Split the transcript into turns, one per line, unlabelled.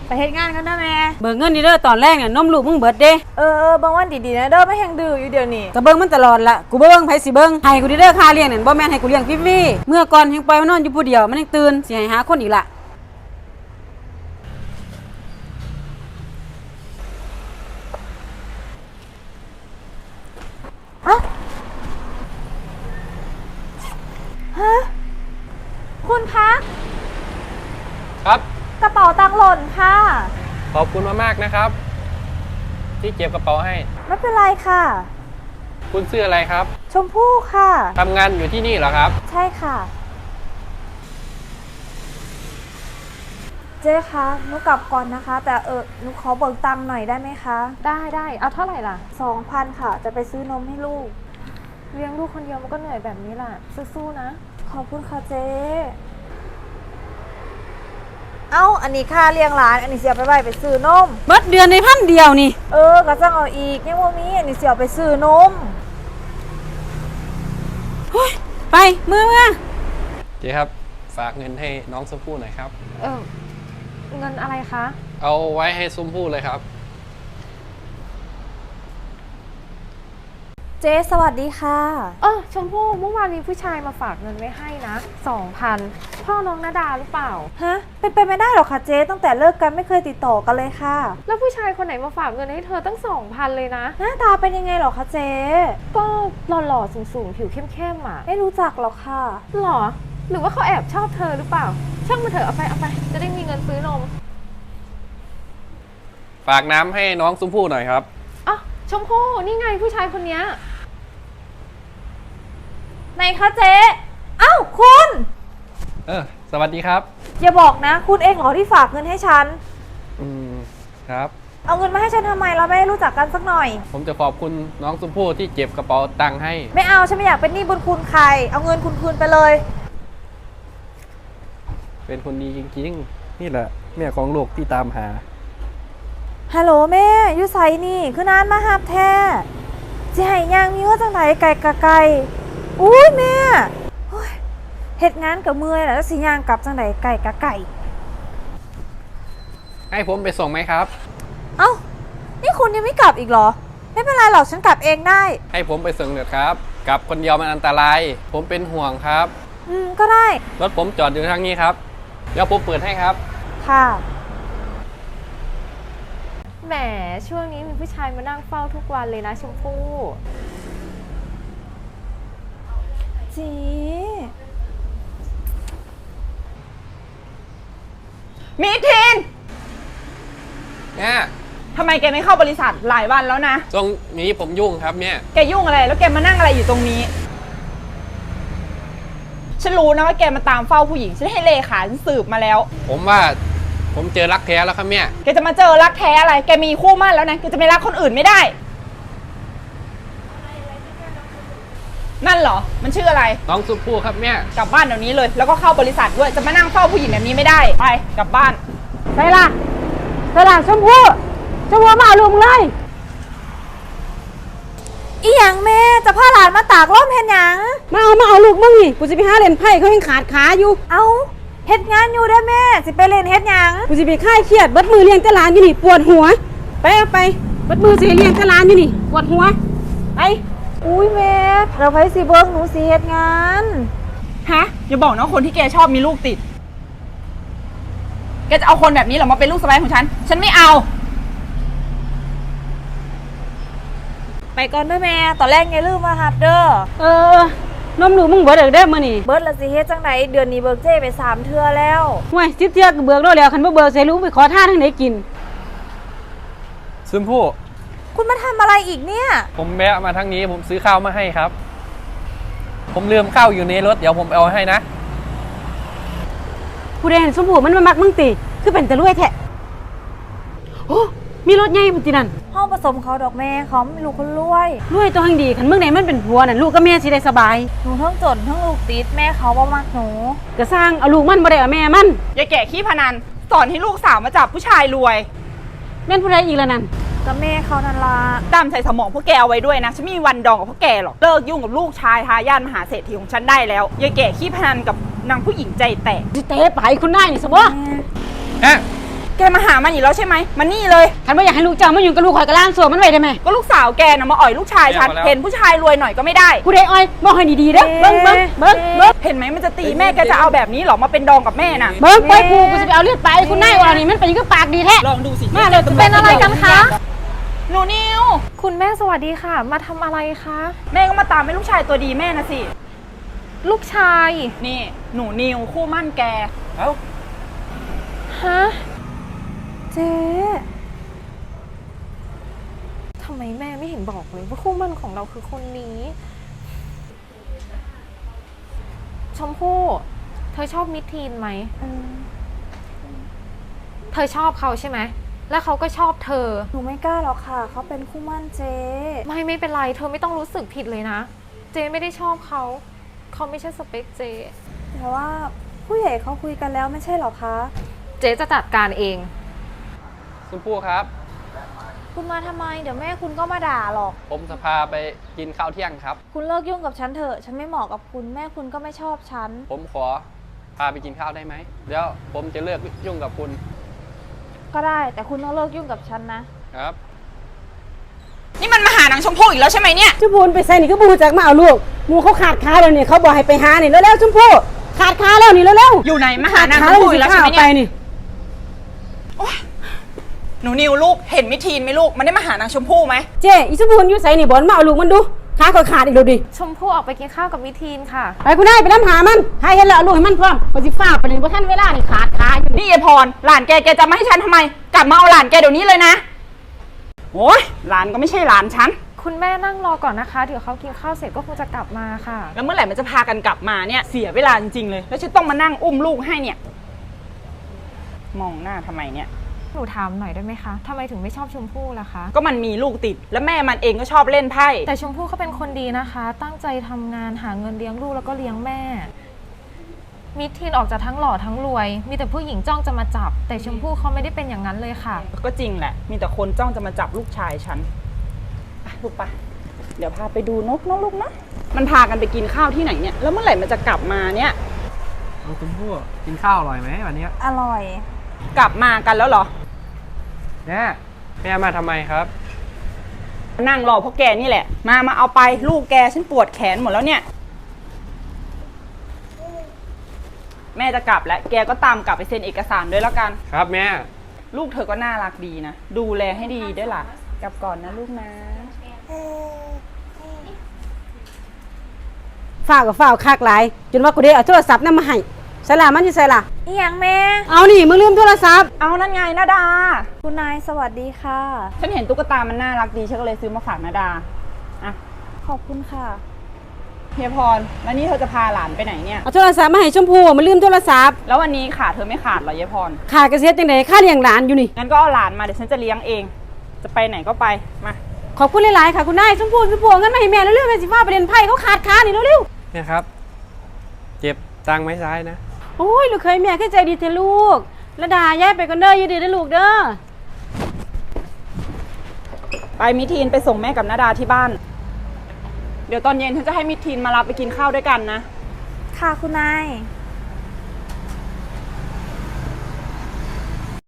ไปเฮ็ดงานกันนะแม่
เบิกเงินนี่เด้อตอนแรกเนี่ยนมลูกมึงเบิดเด้
บางวันดีๆนะเด้อไม่แห้งดื้ออยู่เดี๋ยวนี้
ก็เบิ่งมันตลอดละกูเบิ่งไผสิเบิ่งให้กูเด้อค่าเลี้ยงนั่นบ่แม่นให้กูเลี้ยงฟรีๆเมื่อก่อนยังปล่อยมันนอนอยู่ผู้เดียวมันยังตื่นสิให้หาคนอีกละ
ฮะคุณคะ
ครับ
กระเป๋าตังค์หล่นค่ะ
ขอบคุณมากๆนะครับ ที่เก็บกระเป๋าให้
ไม่เป็นไรค่ะ
คุณชื่ออะไรครับ
ชมพู่ค่ะ
ทำงานอยู่ที่นี่เหรอครับ
ใช่ค่ะเจ๊คะหนูกลับก่อนนะคะแต่หนูขอเบิกตังค์หน่อยได้ไหมคะ
ได้เอาเท่าไหร่ล่ะ
2,000 ค่ะจะไปซื้อนมให้ลูก
เลี้ยงลูกคนเดียวมันก็เหนื่อยแบบนี้แหละสู้ๆนะ
ขอบคุณค่ะเจ๊อันนี้ค่าเลี้ยงหลานอันนี้เสียไปซื้อนม
เบิดเดือนในพันเดียวนี่
ก็ต้องเอาอีกยังว่ามีอันนี้เสียไปซื้อนม
ไปมือ
เจ๊ครับฝากเงินให้น้องชมพู่หน่อยครับ
เงินอะไรคะ
เอาไว้ให้ชมพู่เลยครับ
เจ๊สวัสดีค่ะ
ชมพู่เมื่อวานมีผู้ชายมาฝากเงินไว้ให้นะ 2,000 พ่อน้องนาดาหรือเปล่า
ฮะเป็นไปไม่ได้หรอกค่ะเจ๊ตั้งแต่เลิกกันไม่เคยติดต่อกันเลยค่ะ
แล้วผู้ชายคนไหนมาฝากเงินให้เธอตั้ง 2,000 เลยนะ
หน้าตาเป็นยังไงหรอคะเจ๊
ก็หล่อๆสูงๆผิวเข้มๆอ่ะ
ไม่รู้จักหรอกค่ะ
หรอหรือว่าเขาแอบชอบเธอหรือเปล่าช่างมาเถอะเอาไปจะได้มีเงินซื้อนม
ฝากน้ำให้น้องชมพู่หน่อยครับ
ชมพู่นี่ไงผู้ชายคนนี้
ไหนคะเจ๊คุณ
สวัสดีครับ
อย่าบอกนะคุณเองเหรอที่ฝากเงินให้ฉัน
ครับ
เอาเงินมาให้ฉันทำไมเราไม่รู้จักกันสักหน่อย
ผมจะขอบคุณน้องชมพู่ที่เก็บกระเป๋าตังค์ให้
ไม่เอาฉันไม่อยากเป็นหนี้บุญคุณใครเอาเงินคุณคืนไปเลย
เป็นคนดีจริงๆนี่แหละแม่ของลูกที่ตามหา
ฮัลโหลแม่อยู่ไสนี่คือนานมาหับแท้สิให้ย่างมีว่าจังไหนไก่กะไก่อุ้ยแม่เฮ็ดงานกับเมื่อยแล้วสิย่างกลับจังไหนไก่กะไก่
ให้ผมไปส่งไหมครับ
นี่คุณยังไม่กลับอีกเหรอไม่เป็นไรหรอกฉันกลับเองได้
ให้ผมไปส่งเถอะครับกลับคนเดียวมันอันตรายผมเป็นห่วงครับ
ก็ได้
รถผมจอดอยู่ทางนี้ครับเดี๋ยวผมเปิดให้ครับ
ค่ะ
แหมช่วงนี้มีผู้ชายมานั่งเฝ้าทุกวันเลยนะชมพู่
จี
มิทิน
เนี่ย
ทำไมแกไม่เข้าบริษัทหลายวันแล้วนะ
ตรงนี้ผมยุ่งครับเนี่ย
แกยุ่งอะไรแล้วแกมานั่งอะไรอยู่ตรงนี้ฉันรู้นะว่าแกมาตามเฝ้าผู้หญิงฉันให้เลขาฉันสืบมาแล้ว
ผมว่าผมเจอรักแท้แล้วครับเนี่ย
แกจะมาเจอรักแท้อะไรแกมีคู่มั่นแล้วนะแกจะไม่รักคนอื่นไม่ได้นั่นเหรอมันชื่ออะไร
น้องชมพู่ครับเนี่ย
กลับบ้านเดี๋ยวนี้เลยแล้วก็เข้าบริษัทด้วยจะมานั่งเฝ้าผู้หญิงแบบนี้ไม่ได้ไปกลับบ้าน
ไปล่ะชมพู่มาเอาลูกเลย
อีหยังแม่จะพาหลานมาตากร่มเห็นหยัง
มาเอาลูกมึงนี่กูจะไปหาเล่นไพ่เขายังขาดขาอยู่
เฮ็ดงานอยู่ได้แม่สิไปเล่นเฮ็ดหยัง
กูจะไปค่ายเครียดเบิดมือเลี้ยงแต่หลานอยู่นี่ปวดหัวไปเบิดมือสิเลี้ยงแต่หลานอยู่นี่ปวดหัวไป
อุ้ยแม่เราไปสิเบิ้งหนูสิเฮ็ดงาน
อย่าบอกนะคนที่แกชอบมีลูกติดแกจะเอาคนแบบนี้เหรอมาเป็นลูกสะใภ้ของฉันไม่เอา
ไปก่อนเด้อแม่ตอนแรกไงลืมมาหับเด้
อนมหนูมึงเบิดเด้อมื้อนี่
เบิดละสิเฮ็ดจังไดเดือนนี้เบิกเจ้ไป3 เทื่อแล้ว
ห่วย10 เทื่อก็เบิกแล้วคันบ่เบิกใส่ลูกไปขอทานทางไหนกิน
ชมพู่
คุณมาทำอะไรอีกเนี่ย
ผมแวะมาทางนี้ผมซื้อข้าวมาให้ครับผมลืมข้าวอยู่ในรถเดี๋ยวผมเอาให้นะ
ผู้ใดเห็นชมพู่มันมามักมึงติคือเป็นตะรวยแท้โอ้มีรถใหญ่พุ่นตินั่น
ห้องผสมเขาดอกแม่เขาไม่รู้คนรวย
ตัวหังดีคันเมืองไหนมันเป็นผัวน่ะลูกกับแม่สิได้สบาย
หนูทั้งจนทั้งลูกติดแม่เขาบ่มักหนู
ก็สร้างเอาลูกมันบ่ได้เอาแม่มัน
อย่าแก่ขี้พนันสอนให้ลูกสาวมาจับผู้ชายรวย
แม่นผู้ใดอีกแล้วนั่น
ก็แม่เขานั่นล่ะ
ดำใส่สมองพวกแกเอาไว้ด้วยนะฉันไม่มีวันดองกับพวกแกหรอกเลิกยุ่งกับลูกชายทายาทมหาเศรษฐีของฉันได้แล้วอย่าแก่ขี้พนันกับนางผู้หญิงใจแตก
สิเตะไปคุณนายนี่ซะบ่
ฮะ
แกมาหามันอีกแล้วใช่ไหมมันนี่เลย
คันบ่อยากให้ลูกเจ้ามาอยู่กับลูกข่อยก็ล้างสวมมันไว้ได้ไหม
ก็ลูกสาวแกน่ะมาอ่อยลูกชายฉัน
แย่มาแล้ว
เห็นผู้ชายรวยหน่อยก็ไม่ได้
ผู้ใดอ้อยบอกให้ดีๆเด้อเบิ่ง
เห็นไหมมันจะตีแม่แกจะเอาแบบนี้เหรอมาเป็นดองกับแม่น่ะ
เบิ่งปล่อยกูสิไปเอาเลือดไปคุณนายว่านี่มันเป็นยังก็ปากดีแท้
ลองดูสิ
มาเลย
เป็นอะไรกันคะ
หนูนิว
คุณแม่สวัสดีค่ะ มาทำอะไรคะ
แม่ก็มาตามให้ลูกชายตัวดีแม่นะสิ
ลูกชาย
นี่หนูนิวคู่มั่นแก
เอ้า
ฮะ
เจ๊
ทำไมแม่ไม่เห็นบอกเลยว่าคู่หมั่นของเราคือคนนี้ ชมพู่ เธอชอบมิทีนไหม เธอชอบเขาใช่ไหม แล้วเขาก็ชอบเธอ
หนูไม่กล้าหรอกค่ะเขาเป็นคู่หมั่นเจ๊
ไม่เป็นไร เธอไม่ต้องรู้สึกผิดเลยนะ เจไม่ได้ชอบเขา เขาไม่ใช่สเปคเจ
แต่ว่าผู้ใหญ่เขาคุยกันแล้วไม่ใช่หรอคะ
เจจะจัดการเอง
ชมพู่ครับ
คุณมาทำไมเดี๋ยวแม่คุณก็มาด่าหรอก
ผมจะพาไปกินข้าวเที่ยงครับ
คุณเลิกยุ่งกับฉันเถอะฉันไม่เหมาะกับคุณแม่คุณก็ไม่ชอบฉัน
ผมขอพาไปกินข้าวได้ไหมเดี๋ยวผมจะเลิกยุ่งกับคุณ
ก็ได้แต่คุณต้องเลิกยุ่งกับฉันนะ
ครับ
นี่มันมาหานางชมพู่อีกแล้วใช่ไหมเนี่ย
ชมพูไปใส่นี่ก็บูจักมาเอาลูกหมูเขาขาดขาแล้วนี่เขาบอกให้ไปหานี่เร็วๆชมพู่ขาดขาแล้วนี่เร็วๆ
อยู่ไหนมาหานาง
ข
ช
ด
มพู่อีกแล้วใช่ไหม
ไป
เนี่ย
นี่
หนูนิวลูกเห็นมิทีนไหมลูกมันได้มาหานางชมพู่ไหม
เจ๊อีชมพูอยู่ใส่นี่บอลมาเอาลูกมันดูขาเขาขาดอีกแล้วดิ
ชมพู่ออกไปกินข้าวกับมิทีนค่ะ
ไปคุณนายไปน้ำหามันให้เห็นแล้วเอาลูกให้มันพร้อมปฏิฟ้าไปเลยว่าท่านเวลานี่ขาดขาอยู่
นี่ยายพรหลานแกจะมาให้ฉันทำไม กลับมาเอาหลานแกเดี๋ยวนี้เลยนะโอ้ยหลานก็ไม่ใช่หลานฉัน
คุณแม่นั่งรอก่อนนะคะ เดี๋ยวเขากินข้าวเสร็จก็คงจะกลับมาค่ะ
แล้วเมื่อไหร่มันจะพากันกลับมาเนี่ยเสียเวลาจริงๆเลย แล้วฉันต้องมานั่งอุ้มลูกให้เนี่ย มองหน้าทำไมเนี่ย
หนูถามหน่อยได้ไหมคะทำไมถึงไม่ชอบชมพู่ล่ะคะ
ก็มันมีลูกติด แล้วแม่มันเองก็ชอบเล่นไพ่
แต่ชมพู่เขาเป็นคนดีนะคะ ตั้งใจทำงานหาเงินเลี้ยงลูกแล้วก็เลี้ยงแม่ มิทีนออกจากทั้งหล่อทั้งรวย มีแต่ผู้หญิงจ้องจะมาจับ แต่ชมพู่เขาไม่ได้เป็นอย่างนั้นเลยค่ะ
ก็จริงแหละ มีแต่คนจ้องจะมาจับลูกชายฉันไปลูกไปเดี๋ยวพาไปดูนกนะลูกนะมันพากันไปกินข้าวที่ไหนเนี่ย แล้วเมื่อไหร่มันจะกลับมาเนี่ย
น้องชมพู่กินข้าวอร่อยไหมวันนี้
อร่อย
กลับมากันแล้วเหรอ
แม่มาทำไมครับ
นั่งรอเพราะแกนี่แหละ มาเอาไปลูกแกฉันปวดแขนหมดแล้วเนี่ย แม่จะกลับแล้วแกก็ตามกลับไปเซ็นเอกสารด้วยแล้วกัน
ครับแม่
ลูกเธอก็น่ารักดีนะ ดูแลให้ดีด้วยล่ะ กลับก่อนนะลูกนะ
ฝ้าวกับฝ้าวคากหลายจนว่ากูได้เอาโทรศัพท์นั่นมาให้ใส่ละมันอยู่ใส่ละ
อีหยังแม่
เอานี่มึงลืมโทรศัพท์
เอานั่นไงนาดา
คุณนายสวัสดีค่ะ
ฉันเห็นตุ๊กตามันน่ารักดีฉันก็เลยซื้อมาฝากนาดาอ่ะ
ขอบคุณค่ะ
เฮียพรแล้วนี่เธอจะพาหลานไปไหนเนี่ย
เอาโทรศัพท์มาให้ชมพู่มันลืมโทรศัพท์
แล้ววันนี้ขาดเธอไม่ขาดเหรอเฮียพร
ขาดกระเซ็ดจังไดค่าเลี้ยงหลานอยู่นี่
งั้นก็เอาหลานมาเดี๋ยวฉันจะเลี้ยงเอง จะไปไหนก็ไปมา
ขอบคุณหลายๆค่ะคุณนายชมพู่เอาเงินมาให้แม่เร็วๆแม่สิฟ้าไปเรียนไพ่เขาขาดขานี่เร็ว
เนี่ยครับ เจ็บตังค์ไม้ซ้ายนะ
ๆโอ้ยลูกเคยแม่ขึ้นใจดีเถอะลูกระดาย้ายไปกันเด้ออยู่ดีนะลูกเด้อ
ไปมิทีนไปส่งแม่กับนาดาที่บ้าน เดี๋ยวตอนเย็นฉันจะให้มิทีนมารับไปกินข้าวด้วยกันนะ
ค่ะคุณนาย